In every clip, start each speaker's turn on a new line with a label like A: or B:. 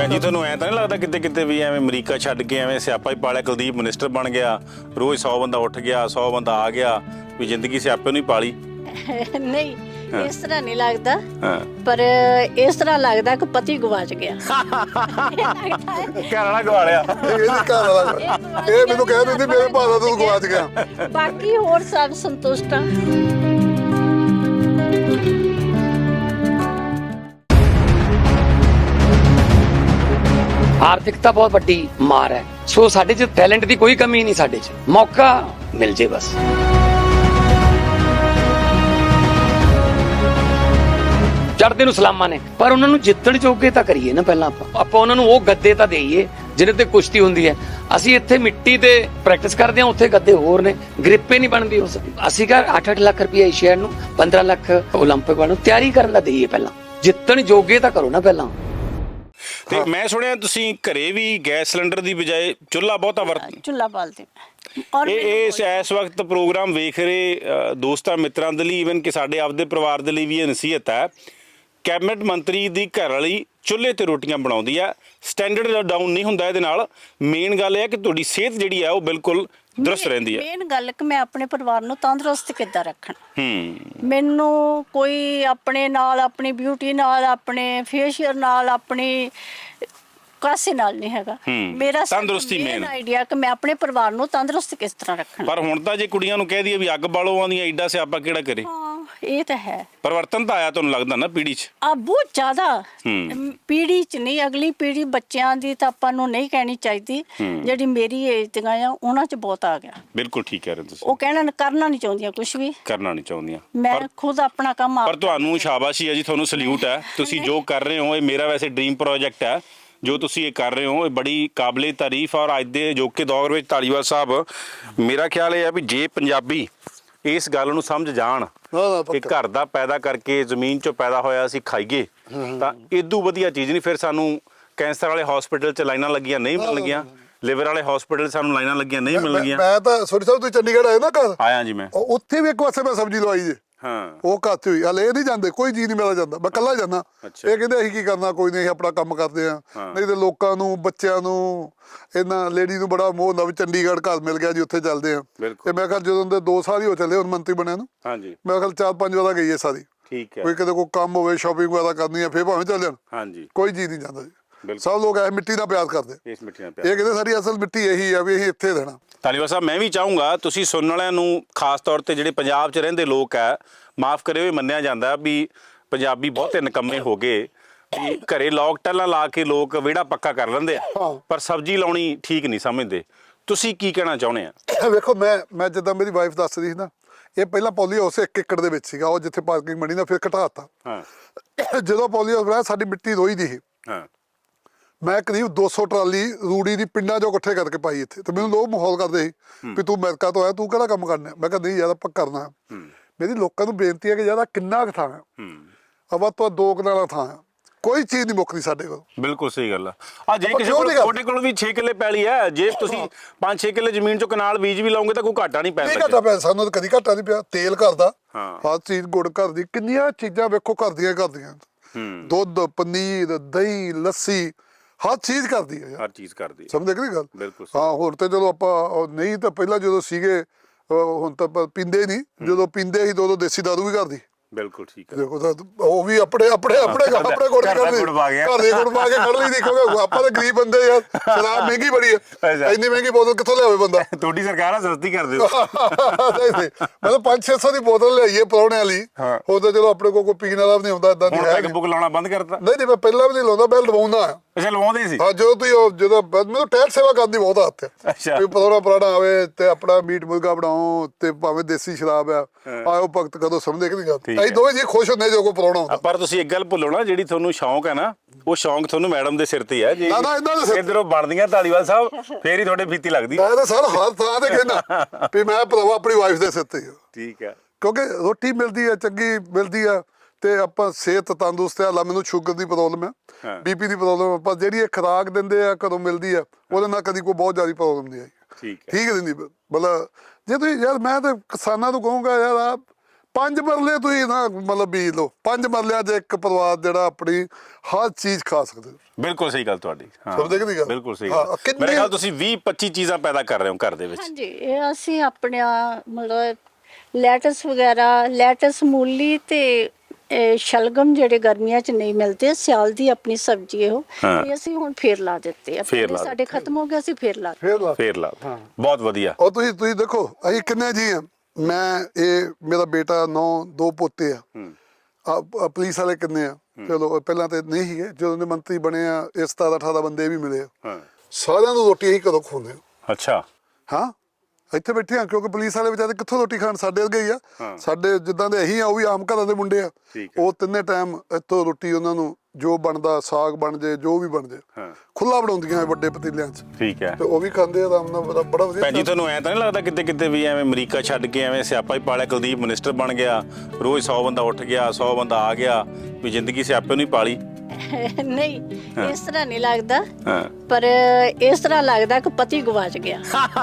A: ਭੈਣ ਜੀ ਤੁਹਾਨੂੰ ਐਂ ਤਾਂ ਨਹੀਂ ਲੱਗਦਾ ਕਿਤੇ ਕਿਤੇ ਵੀ ਐਵੇਂ ਅਮਰੀਕਾ ਛੱਡ ਕੇ ਐਵੇਂ ਸਿਆਪਾ ਹੀ ਪਾਲਿਆ, ਕੁਲਦੀਪ ਮਿਨਿਸਟਰ ਬਣ ਗਿਆ, ਰੋਜ਼ 100 ਬੰਦਾ ਉੱਠ ਗਿਆ 100 ਬੰਦਾ ਆ ਗਿਆ, ਵੀ ਜ਼ਿੰਦਗੀ ਸਿਆਪੇ ਨੂੰ ਹੀ ਪਾਲੀ?
B: ਨਹੀਂ ਇਸ ਤਰ੍ਹਾਂ ਨਹੀਂ ਲੱਗਦਾ,
A: ਹਾਂ
B: ਪਰ ਇਸ ਤਰ੍ਹਾਂ ਲੱਗਦਾ ਕਿ ਪਤੀ ਗਵਾਚ ਗਿਆ।
A: ਘਰ ਵਾਲਾ ਗਵਾ ਲਿਆ।
C: ਇਹਦੇ ਘਰ ਵਾਲਾ ਇਹ ਮੈਨੂੰ ਕਹਿ ਦਿੰਦੀ ਮੇਰੇ ਭਾਅ ਤੂੰ ਗਵਾਚ ਗਿਆ।
B: ਬਾਕੀ ਹੋਰ ਸਭ ਸੰਤੁਸ਼ਟ ਆ।
D: ਆਰਥਿਕਤਾ ਬਹੁਤ ਵੱਡੀ ਮਾਰ ਹੈ, ਸੋ ਸਾਡੇ 'ਚ ਟੈਲੈਂਟ ਦੀ ਕੋਈ ਕਮੀ ਨਹੀਂ, ਸਾਡੇ 'ਚ ਮੌਕਾ ਮਿਲ ਜੇ ਬਸ। ਚੜ੍ਹਦੇ ਨੂੰ ਸਲਾਮਾਂ ਨੇ, ਪਰ ਉਹਨਾਂ ਨੂੰ ਜਿੱਤਣ ਜੋਗੇ ਤਾਂ ਕਰੀਏ ਨਾ ਪਹਿਲਾਂ ਆਪਾਂ ਉਹਨਾਂ ਨੂੰ ਉਹ ਗੱਦੇ ਤਾਂ ਦੇਈਏ ਜਿਹਦੇ ਤੇ ਕੁਸ਼ਤੀ ਹੁੰਦੀ ਹੈ। ਅਸੀਂ ਇੱਥੇ ਮਿੱਟੀ ਤੇ ਪ੍ਰੈਕਟਿਸ ਕਰਦੇ ਹਾਂ, ਉੱਥੇ ਗੱਦੇ ਹੋਰ ਨੇ, ਗ੍ਰਿਪੇ ਨਹੀਂ ਬਣਦੀ ਉਸ। ਅਸੀਂ ਕਹ 8-8 ਲੱਖ ਰੁਪਏ ਏਸ਼ੀਆ ਨੂੰ, 15 ਲੱਖ ਓਲੰਪਿਕ ਨੂੰ ਤਿਆਰੀ ਕਰਨ ਦਾ ਦੇਈਏ ਪਹਿਲਾਂ, ਜਿੱਤਣ ਜੋਗੇ ਤਾਂ ਕਰੋ ਨਾ ਪਹਿਲਾਂ।
A: ਤੇ ਮੈਂ ਸੁਣਿਆ ਤੁਸੀਂ ਘਰੇ ਵੀ ਗੈਸ ਸਿਲੰਡਰ ਦੀ ਬਜਾਏ ਚੁੱਲ੍ਹਾ ਬਹੁਤਾ
B: ਚੁੱਲ੍ਹਾ ਬਾਲਦੇ
A: ਇਹ ਇਸ ਵਕਤ ਪ੍ਰੋਗਰਾਮ ਵੇਖ ਰਹੇ ਦੋਸਤਾਂ ਮਿੱਤਰਾਂ ਦੇ ਲਈ, ਈਵਨ ਕਿ ਸਾਡੇ ਆਪਦੇ ਪਰਿਵਾਰ ਦੇ ਲਈ ਵੀ ਇਹ ਨਸੀਹਤ ਹੈ। ਕੈਬਨਿਟ ਮੰਤਰੀ ਦੀ ਘਰ ਵਾਲੀ ਚੁੱਲ੍ਹੇ ਤੇ ਰੋਟੀਆਂ ਬਣਾਉਂਦੀ ਆ, ਸਟੈਂਡਰਡ ਡਾਊਨ ਨਹੀਂ ਹੁੰਦਾ ਇਹਦੇ ਨਾਲ। ਮੇਨ ਗੱਲ ਇਹ ਹੈ ਕਿ ਤੁਹਾਡੀ ਸਿਹਤ ਜਿਹੜੀ ਹੈ ਉਹ ਬਿਲਕੁਲ ਦਰੁਸਤ ਰਹਿੰਦੀ ਹੈ।
B: ਮੇਨ ਗੱਲ ਕਿ ਮੈਂ ਆਪਣੇ ਪਰਿਵਾਰ ਨੂੰ ਤੰਦਰੁਸਤ ਕਿੱਦਾਂ ਰੱਖਣਾ।
A: ਮੈਨੂੰ
B: ਕੋਈ ਆਪਣੇ ਨਾਲ, ਆਪਣੀ ਬਿਊਟੀ ਨਾਲ, ਆਪਣੇ ਫੇਸ਼ੀਅਲ ਨਾਲ, ਆਪਣੀ ਕਾਸੇ ਨਾਲ ਨਹੀਂ ਹੈਗਾ। ਮੇਰਾ
A: ਤੰਦਰੁਸਤੀ ਮੇਨ
B: ਆਈਡੀਆ ਕਿ ਮੈਂ ਆਪਣੇ ਪਰਿਵਾਰ ਨੂੰ ਤੰਦਰੁਸਤ ਕਿਸ ਤਰ੍ਹਾਂ ਰੱਖਣਾ।
A: ਪਰ ਹੁਣ ਤਾਂ ਜੇ ਕੁੜੀਆਂ ਨੂੰ ਕਹਿ ਦਈਏ ਵੀ ਅੱਗ ਬਾਲੋ ਆਉਂਦੀਆਂ, ਐਡਾ ਸਿਆਪਾ ਕਿਹੜਾ ਕਰੇ?
B: ਹਾਂ ਇਹ ਤਾਂ ਹੈ।
A: ਪਰਿਵਰਤਨ ਤਾਂ ਆਇਆ ਤੁਹਾਨੂੰ ਲੱਗਦਾ ਨਾ ਪੀੜ੍ਹੀ 'ਚ?
B: ਬਹੁਤ ਜ਼ਿਆਦਾ। ਪੀੜ੍ਹੀ 'ਚ ਨਹੀਂ, ਅਗਲੀ ਪੀੜ੍ਹੀ ਬੱਚਿਆਂ ਦੀ ਤਾਂ ਆਪਾਂ ਨੂੰ ਨਹੀਂ ਕਹਿਣੀ ਚਾਹੀਦੀ। ਜਿਹੜੀ ਮੇਰੀ ਏਜ ਦੀਆਂ ਆ ਉਹਨਾਂ 'ਚ ਬਹੁਤ ਆ ਗਿਆ।
A: ਬਿਲਕੁਲ ਠੀਕ ਕਹਿ ਰਹੇ ਤੁਸੀਂ।
B: ਉਹ ਕਰਨਾ ਨਹੀਂ ਚਾਹੁੰਦੀਆਂ, ਕੁਝ ਵੀ
A: ਕਰਨਾ ਨਹੀਂ ਚਾਹੁੰਦੀਆਂ।
B: ਮੈਂ ਖੁਦ ਆਪਣਾ ਕੰਮ
A: ਪਰ ਤੁਹਾਨੂੰ ਸ਼ਾਬਾਸ਼ੀ ਹੈ ਜੀ, ਤੁਹਾਨੂੰ ਸਲੂਟ ਹੈ। ਤੁਸੀਂ ਜੋ ਕਰ ਰਹੇ ਹੋ, ਇਹ ਮੇਰਾ ਵੈਸੇ ਡ੍ਰੀਮ ਪ੍ਰੋਜੈਕਟ ਹੈ ਜੋ ਤੁਸੀਂ ਇਹ ਕਰ ਰਹੇ ਹੋ, ਇਹ ਬੜੀ ਕਾਬਲੇ ਤਾਰੀਫ। ਔਰ ਅੱਜ ਦੇ ਅਜੋਕੇ ਦੌਰ ਵਿੱਚ ਧਾਲੀਵਾਲ ਸਾਹਿਬ, ਮੇਰਾ ਖਿਆਲ ਇਹ ਹੈ ਵੀ ਜੇ ਪੰਜਾਬੀ ਇਸ ਗੱਲ ਨੂੰ ਸਮਝ ਜਾਣ ਕਿ ਘਰ ਦਾ ਪੈਦਾ ਕਰਕੇ ਜ਼ਮੀਨ 'ਚੋਂ ਪੈਦਾ ਹੋਇਆ ਅਸੀਂ ਖਾਈਏ, ਤਾਂ ਇਦੋਂ ਵਧੀਆ ਚੀਜ਼ ਨਹੀਂ। ਫਿਰ ਸਾਨੂੰ ਕੈਂਸਰ ਵਾਲੇ ਹਸਪੀਟਲ 'ਚ ਲਾਈਨਾਂ ਲੱਗੀਆਂ ਨਹੀਂ ਮਿਲਣਗੀਆਂ, ਲਿਵਰ ਵਾਲੇ ਹਸਪੀਟਲ ਸਾਨੂੰ ਲਾਈਨਾਂ ਲੱਗੀਆਂ ਨਹੀਂ ਮਿਲਣਗੀਆਂ।
C: ਮੈਂ ਤਾਂ ਸੋਰੀ ਸਾਹਿਬ ਤੁਸੀਂ ਚੰਡੀਗੜ੍ਹ ਆਏ ਨਾ ਘਰ?
A: ਆਇਆ ਜੀ ਮੈਂ।
C: ਉੱਥੇ ਵੀ ਇੱਕ ਪਾਸੇ ਮੈਂ ਸਬਜ਼ੀ ਲਵਾਈ ਜੇ।
A: ਹਾਂ
C: ਉਹ ਘਾਤੇ ਹੋਈ ਹਲੇ ਇਹ ਨਹੀਂ ਜਾਂਦੇ, ਕੋਈ ਜੀ ਨਹੀਂ ਮਿਲਦਾ ਜਾਂਦਾ, ਮੈਂ ਇਕੱਲਾ ਜਾਂਦਾ। ਇਹ ਕਹਿੰਦੇ ਅਸੀਂ ਕੀ ਕਰਨਾ, ਕੋਈ ਨਹੀਂ, ਅਸੀਂ ਆਪਣਾ ਕੰਮ ਕਰਦੇ ਆ। ਨਹੀਂ ਤੇ ਲੋਕਾਂ ਨੂੰ, ਬੱਚਿਆਂ ਨੂੰ, ਇਹਨਾਂ ਲੇਡੀ ਨੂੰ ਬੜਾ ਮੋਹ ਹੁੰਦਾ ਵੀ ਚੰਡੀਗੜ੍ਹ ਘਰ ਮਿਲ ਗਿਆ ਜੀ, ਉੱਥੇ ਚੱਲਦੇ ਆ। ਤੇ ਮੈਂ ਕਿਹਾ ਜਦੋਂ ਦੇ 2 ਸਾਲ ਹੀ ਹੋ ਚੱਲੇ ਹੁਣ ਮੰਤਰੀ ਬਣਿਆ ਨੂੰ, ਮੈਂ ਕਿਹਾ 4-5 ਵਾਰ ਗਈ ਹੈ ਸਾਰੀ।
A: ਠੀਕ ਹੈ।
C: ਕੋਈ ਕਿਤੇ ਕੋਈ ਕੰਮ ਹੋਵੇ, ਸ਼ਾਪਿੰਗ ਵਗੈਰਾ ਕਰਨੀ ਹੈ, ਫੇਰ ਭਾਵੇਂ ਚੱਲ ਜਾਣ।
A: ਹਾਂਜੀ,
C: ਕੋਈ ਜੀ ਨਹੀਂ ਜਾਂਦਾ ਜੀ। ਸਭ ਲੋਕ ਐ ਮਿੱਟੀ ਨਾਲ ਪਿਆਰ ਕਰਦੇ।
A: ਇਸ ਮਿੱਟੀ ਨਾਲ
C: ਇਹ ਕਹਿੰਦੇ ਸਾਡੀ ਅਸਲ ਮਿੱਟੀ ਇਹੀ ਆ ਵੀ ਅਸੀਂ ਇੱਥੇ ਰਹਿਣਾ।
A: ਧਾਲੀਵਾਲ ਸਾਹਿਬ, ਮੈਂ ਵੀ ਚਾਹੂੰਗਾ ਤੁਸੀਂ ਸੁਣਨ ਵਾਲਿਆਂ ਨੂੰ, ਖਾਸ ਤੌਰ ਤੇ ਜਿਹੜੇ ਪੰਜਾਬ 'ਚ ਰਹਿੰਦੇ ਲੋਕ ਹੈ, ਮਾਫ ਕਰਿਓ, ਇਹ ਮੰਨਿਆ ਜਾਂਦਾ ਵੀ ਪੰਜਾਬੀ ਬਹੁਤੇ ਨਿਕੰਮੇ ਹੋ ਗਏ ਵੀ ਘਰੇ ਲੋਕ ਟੱਲਾਂ ਲਾ ਕੇ ਲੋਕ ਵਿਹੜਾ ਪੱਕਾ ਕਰ ਲੈਂਦੇ ਆ, ਪਰ ਸਬਜ਼ੀ ਲਾਉਣੀ ਠੀਕ ਨਹੀਂ ਸਮਝਦੇ। ਤੁਸੀਂ ਕੀ ਕਹਿਣਾ ਚਾਹੁੰਦੇ ਆ?
C: ਵੇਖੋ ਮੈਂ ਜਿੱਦਾਂ ਮੇਰੀ ਵਾਈਫ ਦੱਸ ਰਹੀ ਸੀ ਨਾ, ਇਹ ਪਹਿਲਾਂ ਪੋਲੀ ਹਾਊਸ 1 ਏਕੜ ਦੇ ਵਿੱਚ ਸੀਗਾ, ਉਹ ਜਿੱਥੇ ਪਾਰਕਿੰਗ ਬਣੀ ਨਾ ਫਿਰ ਘਟਾਤਾ। ਜਦੋਂ ਪੋਲੀ ਹਾਊਸ ਬਣਾਇਆ ਸਾਡੀ ਮਿੱਟੀ ਰੋਈ ਦੀ ਸੀ। ਮੈਂ ਕਰੀਬ 200 ਟਰਾਲੀ ਰੂੜੀ ਦੀ ਪਿੰਡਾਂ 'ਚੋਂ ਇਕੱਠੇ ਕਰਕੇ ਪਾਈ ਇੱਥੇ। ਤੇ ਮੈਨੂੰ ਲੋਕ ਮਾਹੌਲ ਕਰਦੇ ਸੀ ਵੀ ਤੂੰ ਅਮਰੀਕਾ ਤੋਂ ਆਇਆ, ਤੂੰ ਕਿਹੜਾ ਕੰਮ ਕਰਨਾ? ਮੈਂ ਕਿਹਾ ਨਹੀਂ ਯਾਰ ਆਪਾਂ ਕਰਨਾ। ਮੇਰੀ ਲੋਕਾਂ ਨੂੰ ਬੇਨਤੀ ਹੈ ਕਿ ਯਾਰ ਕਿੰਨਾ ਕੁ ਥਾਂ ਹੈ, ਅਵਾ ਤੋਂ 2 ਕਨਾਲਾਂ ਥਾਂ ਹੈ, ਕੋਈ ਚੀਜ਼ ਨਹੀਂ ਮੁੱਕਦੀ ਸਾਡੇ ਕੋਲ।
A: ਬਿਲਕੁਲ ਸਹੀ ਗੱਲ ਆ। ਜੇ ਕਿਸੇ ਕੋਲ, ਤੁਹਾਡੇ ਕੋਲ ਵੀ 6 ਕਿੱਲੇ ਪੈਲੀ ਹੈ, ਜੇ ਤੁਸੀਂ 5-6 ਕਿੱਲੇ ਜ਼ਮੀਨ 'ਚੋਂ ਕਨਾਲ ਬੀਜ ਵੀ ਲਾਉਂਗੇ ਤਾਂ ਕੋਈ ਘਾਟਾ ਨਹੀਂ ਪੈਂਦਾ।
C: ਘਾਟਾ ਪਿਆ ਸਾਨੂੰ, ਕਦੀ ਘਾਟਾ ਨਹੀਂ ਪਿਆ। ਤੇਲ ਘਰ ਦਾ, ਹਰ ਚੀਜ਼, ਗੁੜ ਘਰ ਦੀ, ਕਿੰਨੀਆਂ ਚੀਜ਼ਾਂ ਵੇਖੋ ਘਰ ਦੀਆਂ ਕਰਦੀਆਂ। ਦੁੱਧ, ਪਨੀਰ, ਦਹੀਂ, ਲੱਸੀ, ਹਰ ਚੀਜ਼ ਕਰਦੀ ਹੈ।
A: ਹਰ ਚੀਜ਼ ਕਰਦੀ,
C: ਸਮਝਦੇ ਕਿ ਨਹੀਂ ਗੱਲ?
A: ਬਿਲਕੁਲ।
C: ਹਾਂ ਹੁਣ ਤੇ ਚਲੋ ਆਪਾਂ ਨਹੀਂ ਤਾਂ ਪਹਿਲਾਂ ਜਦੋਂ ਸੀਗੇ, ਹੁਣ ਤਾਂ ਪੀਂਦੇ ਨਹੀਂ, ਜਦੋਂ ਪੀਂਦੇ ਸੀ ਦੋ ਦੇਸੀ ਦਾਰੂ ਵੀ ਕਰਦੀ।
A: ਬਿਲਕੁਲ ਠੀਕ ਹੈ।
C: ਦੇਖੋ ਉਹ ਵੀ ਆਪਣੇ ਗੁੜ ਘਰ ਦੇ ਗੁੜ ਪਾ ਕੇ ਖੜ ਲਈ। ਦੇਖੋਗੇ ਆਪਾਂ ਤਾਂ ਗਰੀਬ ਬੰਦੇ ਯਾਰ, ਸ਼ਰਾਬ ਮਹਿੰਗੀ ਬੜੀ ਹੈ, ਇੰਨੀ ਮਹਿੰਗੀ ਬੋਤਲ ਕਿੱਥੋਂ ਲਿਆਵੇ ਬੰਦਾ?
A: ਤੁਹਾਡੀ ਸਰਕਾਰ ਆ ਸਸਤੀ ਕਰ ਦਿਓ।
C: ਮਤਲਬ 500-600 ਦੀ ਬੋਤਲ ਲਿਆਈਏ ਪਰੌਣੇ ਵਾਲੀ, ਉਹ ਤਾਂ ਚਲੋ ਆਪਣੇ ਕੋਲ ਕੋਈ ਪੀਣ ਵਾਲਾ ਵੀ ਨਹੀਂ ਹੁੰਦਾ। ਏਦਾਂ
A: ਪੈਗ ਬੁੱਕ ਲਾਉਣਾ ਬੰਦ ਕਰਤਾ?
C: ਨਹੀਂ, ਮੈਂ ਪਹਿਲਾਂ ਵੀ ਨਹੀਂ ਲਾਉਂਦਾ, ਮੈਂ ਲਵਾਉਂਦਾ।
A: ਅੱਛਾ, ਲਵਾਉਂਦੇ ਸੀ?
C: ਹਾਂ, ਜਦੋਂ ਮੈਨੂੰ ਟਹਿਲ ਸੇਵਾ ਕਰਨ ਦੀ ਬਹੁਤ ਆਦਤ ਹੈ।
A: ਅੱਛਾ,
C: ਵੀ ਪਰੌਣਾ ਆਵੇ ਤੇ ਆਪਣਾ ਮੀਟ ਮੁਰਗਾ ਬਣਾਓ, ਤੇ ਭਾਵੇਂ ਦੇਸੀ ਸ਼ਰਾਬ ਆ, ਆਓ ਭਗਤ ਕਦੋਂ ਸਮਝਦੇ ਕਿ ਨਹੀਂ ਗੱਲ? ਅਸੀਂ ਦੋਵੇਂ ਜੀ ਖੁਸ਼ ਹੁੰਦੇ ਜੋ ਕੋਈ ਪਰੌਣਾ ਹੁੰਦਾ।
A: ਪਰ ਤੁਸੀਂ ਇੱਕ ਗੱਲ ਭੁੱਲੋ ਨਾ, ਜਿਹੜੀ ਤੁਹਾਨੂੰ ਸ਼ੌਂਕ ਹੈ ਨਾ, ਉਹ ਸ਼ੌਂਕ ਤੁਹਾਨੂੰ ਮੈਡਮ ਦੇ ਸਿਰ ਤੇ ਹੈ ਜੀ। ਇਧਰੋਂ ਬਣਦੀਆਂ ਧਾਲੀਵਾਲ ਸਾਹਿਬ, ਫੇਰ ਹੀ ਤੁਹਾਡੇ ਫੀਤੀ ਲੱਗਦੀ।
C: ਮੈਂ ਤਾਂ ਸਰ ਹਰ ਥਾਂ ਤੇ ਕਹਿੰਦਾ ਵੀ ਮੈਂ ਭਰਾਵਾ ਆਪਣੀ ਵਾਈਫ ਦੇ ਸਿਰ ਤੇ।
A: ਠੀਕ ਹੈ,
C: ਕਿਉਂਕਿ ਰੋਟੀ ਮਿਲਦੀ ਹੈ, ਚੰਗੀ ਮਿਲਦੀ ਆ, ਤੇ ਆਪਾਂ ਸਿਹਤ ਤੰਦਰੁਸਤ ਆ। ਮੈਨੂੰ ਸ਼ੂਗਰ ਦੀ ਪ੍ਰੋਬਲਮ ਹੈ, BP ਦੀ ਪ੍ਰੋਬਲਮ ਹੈ, ਪਰ ਜਿਹੜੀ ਇਹ ਖੁਰਾਕ ਦਿੰਦੇ ਆ ਘਰੋਂ ਮਿਲਦੀ ਆ, ਉਹਦੇ ਨਾਲ ਕਦੀ ਕੋਈ ਬਹੁਤ ਜ਼ਿਆਦਾ ਪ੍ਰੋਬਲਮ ਨਹੀਂ ਆਈ। ਠੀਕ ਦਿੰਦੀ। ਮਤਲਬ ਜੇ ਤੁਸੀਂ ਯਾਰ, ਮੈਂ ਤਾਂ ਕਿਸਾਨਾਂ ਨੂੰ ਕਹੂੰਗਾ ਯਾਰ, 5 ਮਰਲੇ ਤੁਸੀਂ ਨਾ ਮਤਲਬ ਬੀਜ ਲਓ, 5 ਮਰਲਿਆਂ 'ਚ ਇੱਕ ਪਰਿਵਾਰ ਜਿਹੜਾ ਆਪਣੀ ਹਰ ਚੀਜ਼ ਖਾ ਸਕਦੇ ਹੋ।
A: ਬਿਲਕੁਲ ਸਹੀ ਗੱਲ ਤੁਹਾਡੀ। ਹਾਂ
C: ਸਮਝਦੇ ਕਿ ਨਹੀਂ ਗੱਲ?
A: ਬਿਲਕੁਲ ਸਹੀ
C: ਹਾਂ,
A: ਗੱਲ।
C: ਕਿੰਨੇ-
A: ਮੇਰੇ ਖਿਆਲ ਤੁਸੀਂ 20-25 ਚੀਜ਼ਾਂ ਪੈਦਾ ਕਰ ਰਹੇ ਹੋ ਘਰ ਦੇ ਵਿੱਚ।
B: ਹਾਂਜੀ, ਇਹ ਅਸੀਂ ਆਪਣੇ ਮਤਲਬ ਲੈਟਸ ਵਗੈਰਾ, ਲੈਟਸ, ਮੂਲੀ ਤੇ ਸ਼ਲਗਮ ਜਿਹੜੇ ਗਰਮੀਆਂ 'ਚ ਨਹੀਂ ਮਿਲਦੇ, ਸਿਆਲ ਦੀ ਆਪਣੀ ਸਬਜ਼ੀ ਇਹੋ,
A: ਹਾਂ।
B: ਇਹ ਅਸੀਂ ਹੁਣ ਫੇਰ ਲਾ ਦਿੱਤੇ ਆ।
A: ਫੇਰ
B: ਪਹਿਲੇ
A: ਲਾ
B: ਸਾਡੇ ਖਤਮ ਹੋ ਗਏ, ਅਸੀਂ ਫੇਰ ਲਾ ਦਿੱਤੇ।
C: ਫੇਰ ਲਾ
A: ਫੇਰ ਲਾ ਬਹੁਤ ਵਧੀਆ।
C: ਉਹ ਤੁਸੀਂ ਦੇਖੋ ਅਸੀਂ ਕਿੰਨੇ ਜੀ ਆ, ਮੈਂ ਇਹ ਮੇਰਾ ਬੇਟਾ 9 2 ਪੋਤੇ ਆ। ਪੁਲਿਸ ਵਾਲੇ ਕਿੰਨੇ ਆ, ਚਲੋ ਪਹਿਲਾਂ ਤੇ ਨਹੀਂ ਸੀਗੇ, ਜਦੋਂ ਦੇ ਮੰਤਰੀ ਬਣੇ ਆ ਇਹ 17 18 ਬੰਦੇ ਵੀ ਮਿਲੇ ਆ।
A: ਹਾਂ
C: ਸਾਰਿਆਂ ਨੂੰ ਰੋਟੀ ਅਸੀਂ ਕਦੋਂ ਖਵਾਉਂਦੇ ਆ?
A: ਅੱਛਾ।
C: ਹਾਂ ਇੱਥੇ ਬੈਠੇ ਆ ਕਿਉਂਕਿ ਪੁਲਿਸ ਵਾਲੇ ਵਿਚਾਰੇ ਕਿੱਥੋਂ ਰੋਟੀ ਖਾਣ, ਸਾਡੇ ਵਰਗੇ ਹੀ ਆ। ਸਾਡੇ ਜਿੱਦਾਂ ਦੇ ਅਸੀਂ ਆ ਉਹ ਵੀ ਆਮ ਘਰਾਂ ਦੇ ਮੁੰਡੇ ਆ। ਉਹ ਤਿੰਨੇ ਟਾਈਮ ਇੱਥੋਂ ਰੋਟੀ ਉਹਨਾਂ ਨੂੰ ਜੋ ਬਣਦਾ, ਸਾਗ ਬਣ ਜੇ, ਜੋ ਵੀ ਬਣ ਜੇ, ਖੁੱਲਾ ਬਣਾਉਂਦੀਆਂ ਵੱਡੇ ਪਤੀਲਿਆਂ 'ਚ,
A: ਠੀਕ ਹੈ।
C: ਤੇ ਉਹ ਵੀ ਖਾਂਦੇ ਆ ਆਰਾਮ ਨਾਲ, ਬੜਾ ਵਧੀਆ।
A: ਭੈਣ ਜੀ ਤੁਹਾਨੂੰ ਐਂ ਤਾਂ ਨਹੀਂ ਲੱਗਦਾ ਕਿਤੇ ਕਿਤੇ ਵੀ ਐਵੇਂ ਅਮਰੀਕਾ ਛੱਡ ਕੇ ਐਵੇਂ ਸਿਆਪਾ ਹੀ ਪਾਲਿਆ, ਕੁਲਦੀਪ ਮਿਨਿਸਟਰ ਬਣ ਗਿਆ, ਰੋਜ਼ 100 ਬੰਦਾ ਉੱਠ ਗਿਆ, 100 ਬੰਦਾ ਆ ਗਿਆ, ਵੀ ਜ਼ਿੰਦਗੀ ਸਿਆਪੇ ਨੂੰ ਹੀ ਪਾਲੀ?
B: ਨਹੀਂ, ਇਸ ਤਰ੍ਹਾਂ ਨਹੀਂ ਲੱਗਦਾ,
A: ਹਾਂ
B: ਪਰ ਇਸ ਤਰ੍ਹਾਂ ਲੱਗਦਾ ਕਿ ਪਤੀ ਗਵਾਚ ਗਿਆ।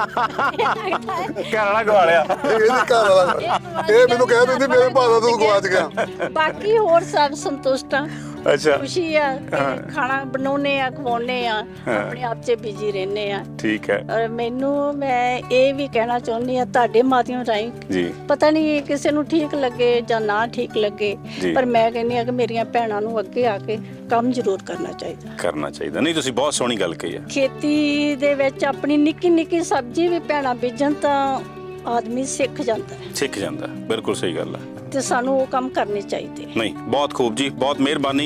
A: ਘਰ ਵਾਲਾ ਗਵਾ ਲਿਆ।
C: ਇਹਦੇ ਘਰ ਵਾਲਾ ਇਹ ਮੈਨੂੰ ਕਹਿ ਦਿੰਦੀ ਮੇਰੇ ਭਾਅ ਤੂੰ ਗਵਾਚ ਗਿਆ।
B: ਬਾਕੀ ਹੋਰ ਸਭ ਸੰਤੁਸ਼ਟ ਆ,
A: ਅੱਛਾ
B: ਖੁਸ਼ੀ ਆ ਕਿ ਖਾਣਾ ਬਣਾਉਨੇ ਆ, ਖਵਾਉਨੇ ਆ, ਆਪਣੇ ਆਪ 'ਚ ਬਿਜੀ ਰਹਿੰਦੇ ਆ।
A: ਠੀਕ ਹੈ
B: ਔਰ ਮੈਂ ਇਹ ਵੀ ਕਹਿਣਾ ਚਾਹੁੰਦੀ ਆ ਤੁਹਾਡੇ ਮਾਧਿਅਮ ਰਾਹੀਂ,
A: ਜੀ।
B: ਪਤਾ ਨਹੀਂ ਕਿਸੇ ਨੂੰ ਠੀਕ ਲੱਗੇ ਜਾਂ ਨਾ ਠੀਕ ਲੱਗੇ,
A: ਜੀ।
B: ਪਰ ਮੈਂ ਕਹਿੰਦੀ ਆ ਕਿ ਮੇਰੀਆਂ ਭੈਣਾਂ ਨੂੰ ਅੱਗੇ ਆ ਕੇ ਕੰਮ ਜ਼ਰੂਰ ਕਰਨਾ ਚਾਹੀਦਾ।
A: ਕਰਨਾ ਚਾਹੀਦਾ। ਨਹੀਂ ਤੁਸੀਂ ਬਹੁਤ ਸੋਹਣੀ ਗੱਲ ਕਹੀ ਹੈ।
B: ਖੇਤੀ ਦੇ ਵਿੱਚ ਆਪਣੀ ਨਿੱਕੀ ਨਿੱਕੀ ਸਬਜ਼ੀ ਵੀ ਭੈਣਾਂ ਬੀਜਣ ਤਾਂ ਆਦਮੀ ਸਿੱਖ ਜਾਂਦਾ ਹੈ,
A: ਸਿੱਖ ਜਾਂਦਾ। ਬਿਲਕੁਲ ਸਹੀ ਗੱਲ ਹੈ।
B: ਤੇ ਸਾਨੂੰ ਉਹ ਕੰਮ ਕਰਨੇ ਚਾਹੀਦੇ।
A: ਨਹੀਂ ਬਹੁਤ ਖੂਬ ਜੀ, ਬਹੁਤ ਮਿਹਰਬਾਨੀ।